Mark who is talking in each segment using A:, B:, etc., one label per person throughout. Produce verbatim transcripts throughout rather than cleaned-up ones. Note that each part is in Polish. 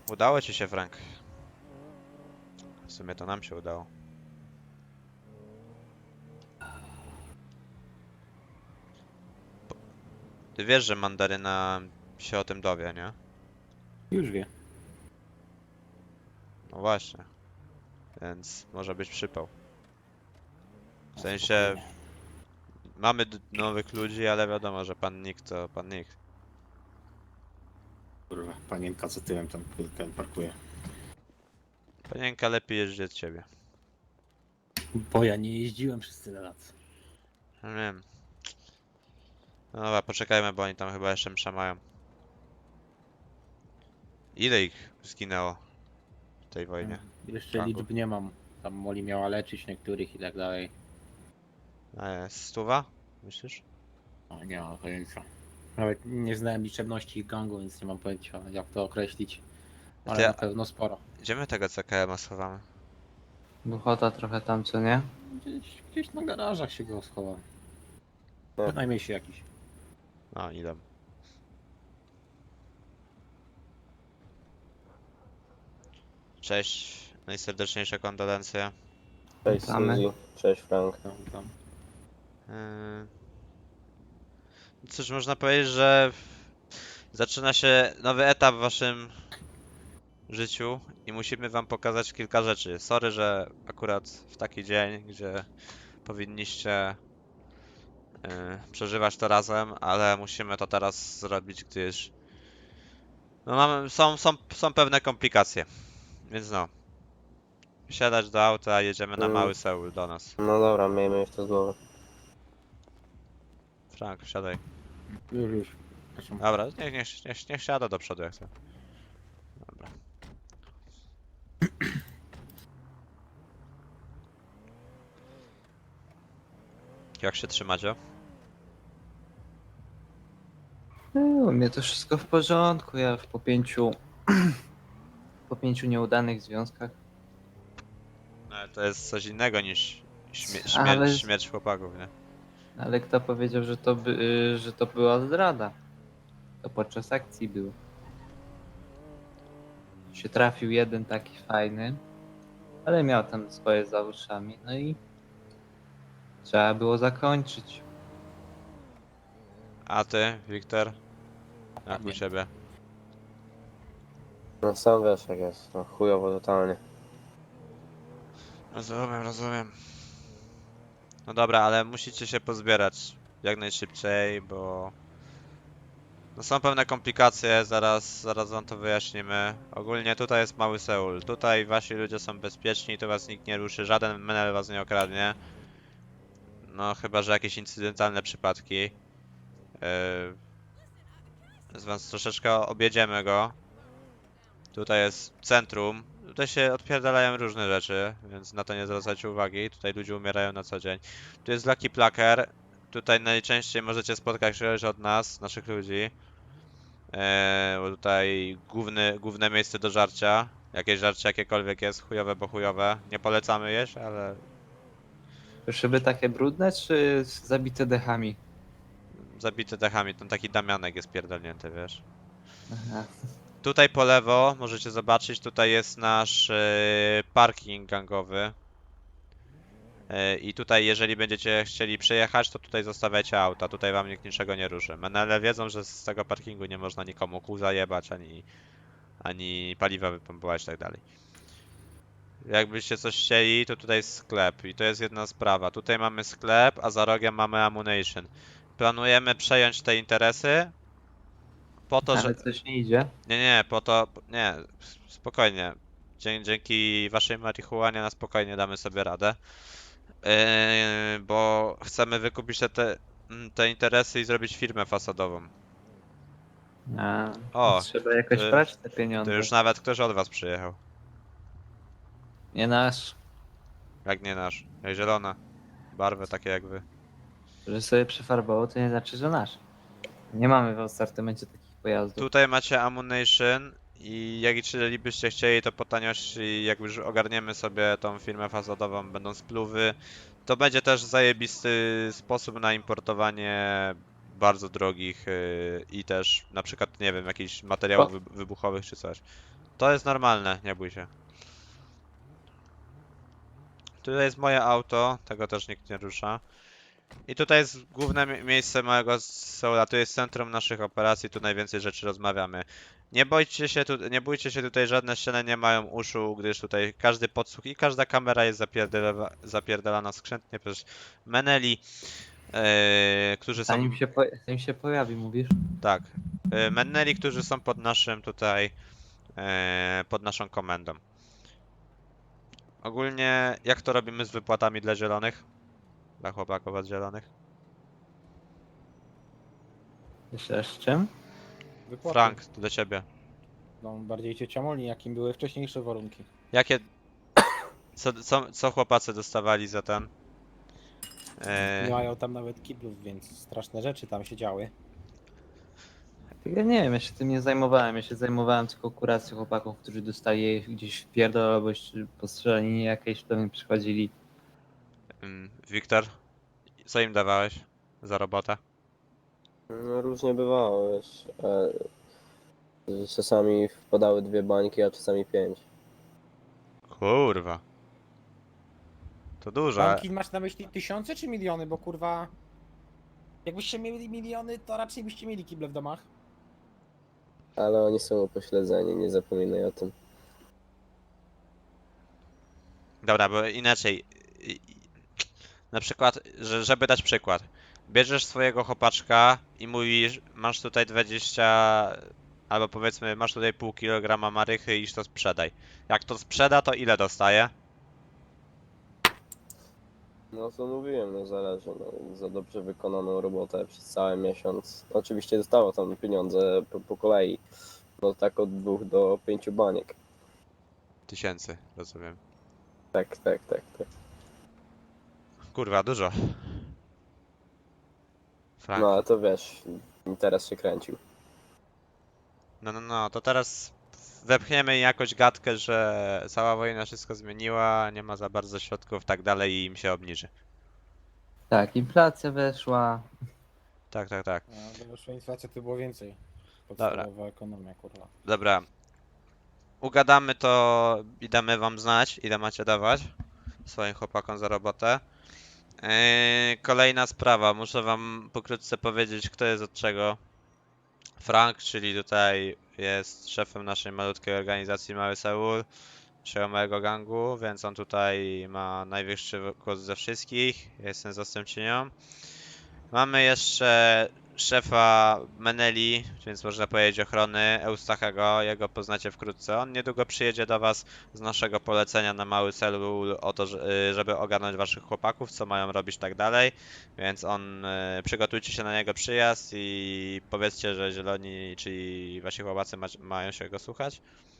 A: Udało ci się, Frank. W sumie to nam się udało. Ty wiesz, że mandaryna się o tym dowie, nie?
B: Już wie.
A: No właśnie. Więc może być przypał. W
B: No,
A: sensie
B: spokojnie.
A: mamy d- nowych ludzi, ale wiadomo, że pan nikt to pan nikt.
B: Kurwa, panienka za tyłem tam chwilkę parkuje.
A: Panienka lepiej jeździ od ciebie.
B: Bo ja nie jeździłem przez tyle lat.
A: No wiem. No dobra, poczekajmy, bo oni tam chyba jeszcze msza mają. Ile ich zginęło w tej wojnie?
B: Jeszcze
A: Franku?
B: liczb nie mam. Tam Moli miała leczyć niektórych i tak dalej.
A: A jest stuwa? Myślisz?
B: O, nie mam pojęcia. Nawet nie znałem liczebności ich gangu, więc nie mam pojęcia jak to określić. Ale
A: Ty,
B: na pewno sporo.
A: gdzie my tego C K M a schowamy?
C: Duchota trochę tam, co nie?
B: Gdzieś, gdzieś na garażach się go schowam.
D: No.
B: Bynajmniej się jakiś.
A: No, idę. Cześć, najserdeczniejsze kondolencje.
D: Cześć
C: Witamy.
D: Suzy, cześć Frank.
B: Tam, tam.
A: Yy... Cóż, można powiedzieć, że zaczyna się nowy etap w waszym życiu i musimy wam pokazać kilka rzeczy. Sorry, że akurat w taki dzień, gdzie powinniście yy, przeżywać to razem, ale musimy to teraz zrobić, gdyż no mamy, są, są, są pewne komplikacje. Więc no, wsiadać do auta, jedziemy na
D: Mm.
A: Mały Seul do nas.
D: No dobra, miejmy już to z głowy.
A: Frank, wsiadaj.
B: Już, już. Przepraszam.
A: Dobra, niech, niech, niech, niech siada do przodu jak chce. Dobra. Jak się trzymacie?
C: No, u mnie to wszystko w porządku. Ja po pięciu, po pięciu nieudanych związkach.
A: No, ale to jest coś innego niż śmie
C: Ale-
A: śmierć, śmierć chłopaków, nie?
C: Ale kto powiedział, że to, by, y, że to była zdrada? To podczas akcji było. Się trafił jeden taki fajny, ale miał tam swoje za uszami. No i trzeba było zakończyć.
A: A ty, Wiktor? Jak u
B: Nie.
A: ciebie?
D: No sam wiesz jak jest, no chujowo totalnie.
A: Rozumiem, rozumiem. No dobra, ale musicie się pozbierać jak najszybciej, bo no są pewne komplikacje, zaraz, zaraz wam to wyjaśnimy. Ogólnie tutaj jest Mały Seul, tutaj wasi ludzie są bezpieczni, tu was nikt nie ruszy, żaden menel was nie okradnie. No chyba, że jakieś incydentalne przypadki. Yy, więc troszeczkę objedziemy go. Tutaj jest centrum. Tutaj się odpierdalają różne rzeczy, więc na to nie zwracajcie uwagi. Tutaj ludzie umierają na co dzień. Tu jest Lucky Placker. Tutaj najczęściej możecie spotkać kogoś od nas, naszych ludzi. Eee, bo tutaj główny, główne miejsce do żarcia. Jakieś żarcie jakiekolwiek jest, chujowe, bo chujowe. Nie polecamy jeść, ale
C: To szyby takie brudne, czy zabite dechami?
A: zabite dechami. Ten taki Damianek jest pierdolnięty, wiesz.
C: Aha.
A: Tutaj po lewo możecie zobaczyć, tutaj jest nasz e, parking gangowy. E, I tutaj jeżeli będziecie chcieli przejechać, to tutaj zostawiajcie auta, tutaj wam nikt niczego nie ruszy. Menele wiedzą, że z tego parkingu nie można nikomu kół zajebać, ani, ani paliwa wypompować i tak dalej. Jakbyście coś chcieli, to tutaj jest sklep i to jest jedna sprawa. Tutaj mamy sklep, a za rogiem mamy ammunition. Planujemy przejąć te interesy po to, że...
C: Ale coś nie idzie.
A: Nie, nie, po to, nie, spokojnie. Dzie dzięki waszej marihuanie na spokojnie damy sobie radę. Yy, bo chcemy wykupić te, te, mm, te interesy i zrobić firmę fasadową.
C: A,
A: O,
C: trzeba jakoś
A: to-
C: brać te
A: To
C: pieniądze.
A: już nawet ktoś od was przyjechał.
C: Nie nasz.
A: Jak nie nasz. Jak zielona. Barwy takie jak wy.
C: Że sobie przefarbował, to nie znaczy, że nasz. Nie mamy w asortymencie takich pojazdów.
A: Tutaj macie ammunition i jak jeżeli byście chcieli, to po taniości, jak już ogarniemy sobie tą firmę fasadową, będą spluwy, to będzie też zajebisty sposób na importowanie bardzo drogich yy, i też na przykład, nie wiem, jakichś materiałów wy wybuchowych czy coś. To to jest normalne, nie bój się. Tutaj jest moje auto, tego też nikt nie rusza. I tutaj jest główne mi- miejsce małego Seula, tu jest centrum naszych operacji, tu najwięcej rzeczy rozmawiamy. Nie bójcie się, tu, nie bójcie się, tutaj żadne ściany nie mają uszu, gdyż tutaj każdy podsłuch i każda kamera jest zapierdala, zapierdalana skrzętnie przez meneli, e, którzy są...
C: Zanim się, po, zanim się pojawi, mówisz?
A: Tak. E, meneli, którzy są pod naszym tutaj, e, pod naszą komendą. Ogólnie, jak to robimy z wypłatami dla zielonych? Dla chłopaków od zielonych?
C: Jeszcze raz z czym?
B: Wypłaty.
A: Frank, to do ciebie.
B: No, bardziej cię ciamoli, jakim były wcześniejsze warunki.
A: Jakie... Co, co, co chłopacy dostawali za ten? E,
B: Nie mają tam nawet kiblów, więc straszne rzeczy tam się działy.
C: Ja nie wiem, ja się tym nie zajmowałem. Ja się zajmowałem tylko kuracją chłopaków, którzy dostali gdzieś w pierdol albo po strzelaninie jakiejś, to mi przychodzili.
A: mm, Wiktor, co im dawałeś za robotę?
D: No, różnie bywało, wiesz. E, czasami wpadały dwie bańki, a czasami pięć.
A: Kurwa. To dużo.
B: Banki masz na myśli tysiące czy miliony, bo kurwa... Jakbyście mieli miliony, to raczej byście mieli kible w domach.
D: Ale oni są upośledzeni, nie zapominaj o tym.
A: Dobra, bo inaczej. I- i- Na przykład, że, żeby dać przykład. Bierzesz swojego chłopaczka i mówisz, masz tutaj dwadzieścia, albo powiedzmy, masz tutaj pół kilograma marychy i iż to sprzedaj. Jak to sprzeda, to ile dostaje?
D: No co mówiłem, no zależy, no, za dobrze wykonaną robotę przez cały miesiąc. Oczywiście dostało tam pieniądze po, po kolei. No tak od dwóch do pięciu baniek.
A: Tysięcy, rozumiem.
D: Tak, tak, tak, tak.
A: Kurwa, dużo. Frank.
D: No ale to wiesz, teraz się kręcił.
A: No, no, no, to teraz wepchniemy jakoś gadkę, że cała wojna wszystko zmieniła, nie ma za bardzo środków, tak dalej i im się obniży.
C: Tak, inflacja weszła.
A: Tak, tak, tak.
B: No, gdyby wyszła inflacja, to było więcej. Podstawowa ekonomia, kurwa.
A: Dobra. Ugadamy to i damy wam znać, ile macie dawać swoim chłopakom za robotę. Yy, kolejna sprawa, muszę wam pokrótce powiedzieć, kto jest od czego. Frank, czyli tutaj jest szefem naszej malutkiej organizacji Mały Seul, naszego małego gangu, więc on tutaj ma najwyższy głos ze wszystkich. Ja jestem zastępczynią. Mamy jeszcze szefa Meneli, więc można powiedzieć ochrony, Eustachego, jego poznacie wkrótce. On niedługo przyjedzie do was z naszego polecenia na Mały Seul o to, że- y, żeby ogarnąć waszych chłopaków, co mają robić tak dalej. Więc on, y, przygotujcie się na jego przyjazd i powiedzcie, że zieloni, czyli wasi chłopacy ma, mają się go słuchać.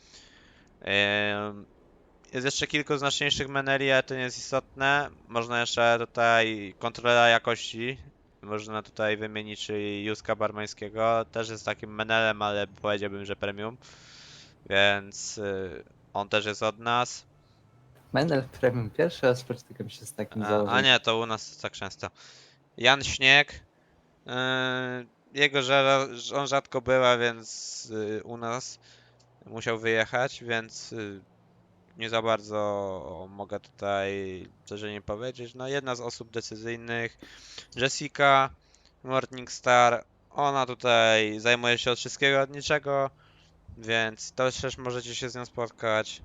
A: Ym, Jest jeszcze kilku znaczniejszych meneli, ale to nie jest istotne. Można jeszcze tutaj kontrola jakości. Można tutaj wymienić, czyli Józka Barmańskiego. Też jest takim menelem, ale powiedziałbym, że premium. Więc y, on też jest od nas.
C: Menel Premium pierwszy raz spotykam się z takim
A: A, a
C: założeniem.
A: nie, to u nas tak często. Jan Śnieg. y, Jego że on rzadko była, więc y, u nas musiał wyjechać, więc y, nie za bardzo mogę tutaj coś o nim powiedzieć. No jedna z osób decyzyjnych, Jessica Morningstar, ona tutaj zajmuje się od wszystkiego, od niczego, więc to też możecie się z nią spotkać.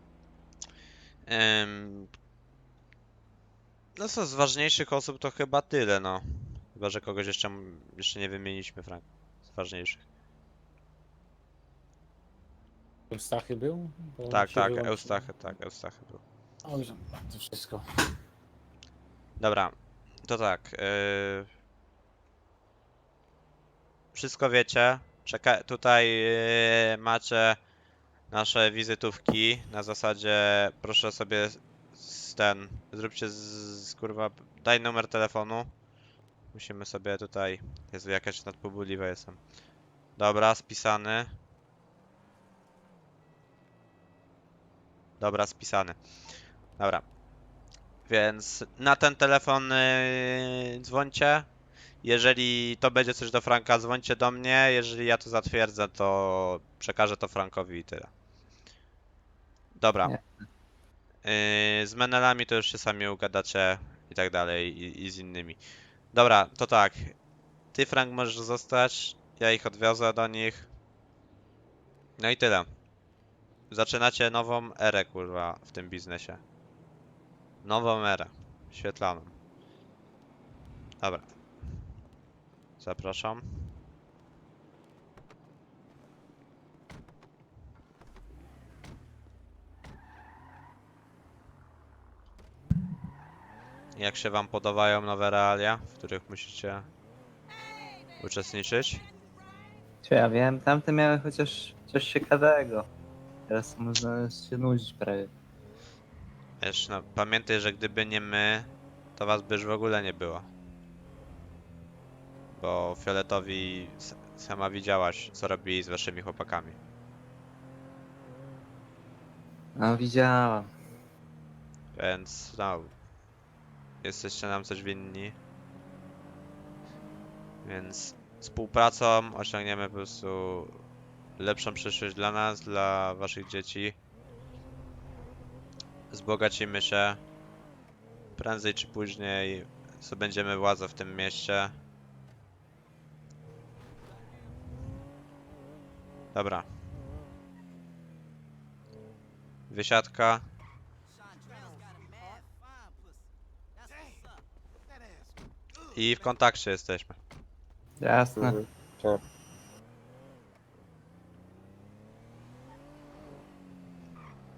A: Ym, No co, z ważniejszych osób to chyba tyle, no. Chyba, że kogoś jeszcze, jeszcze nie wymieniliśmy, Frank, z ważniejszych.
B: Eustachy był? Bo
A: Tak,
B: się
A: tak,
B: wyłączył.
A: Eustachy, tak, Eustachy był.
B: Oj, to wszystko.
A: Dobra, to tak. Yy... Wszystko wiecie. Czeka tutaj yy, macie nasze wizytówki. Na zasadzie proszę sobie z ten. Zróbcie z, z kurwa. Daj numer telefonu. Musimy sobie tutaj. Jezu, jakaś nadpobudliwa jestem. Dobra, spisany. Dobra, spisany. Dobra. Więc na ten telefon yy, dzwońcie. Jeżeli to będzie coś do Franka, dzwońcie do mnie. Jeżeli ja to zatwierdzę, to przekażę to Frankowi i tyle. Dobra.
C: Nie.
A: Yy, z Menelami to już się sami ugadacie i tak dalej i, i z innymi. Dobra, to tak. Ty, Frank, możesz zostać. Ja ich odwiozę do nich. No i tyle. Zaczynacie nową erę, kurwa, w tym biznesie. Nową erę. Świetlaną. Dobra. Zapraszam. Jak się wam podobają nowe realia, w których musicie uczestniczyć?
C: Czy ja wiem, tamte miały chociaż coś ciekawego. Teraz można się nudzić prawie.
A: Wiesz, no pamiętaj, że gdyby nie my, to was by już w ogóle nie było. Bo Fioletowi s- sama widziałaś, co robili z waszymi chłopakami.
C: No widziałam.
A: Więc no, jesteście nam coś winni. Więc współpracą osiągniemy po prostu lepszą przyszłość dla nas, dla waszych dzieci. Wzbogacimy się. Prędzej czy później zdobędziemy władzę w tym mieście. Dobra. Wysiadka. I w kontakcie jesteśmy.
C: Jasne.
D: Mhm. Tak.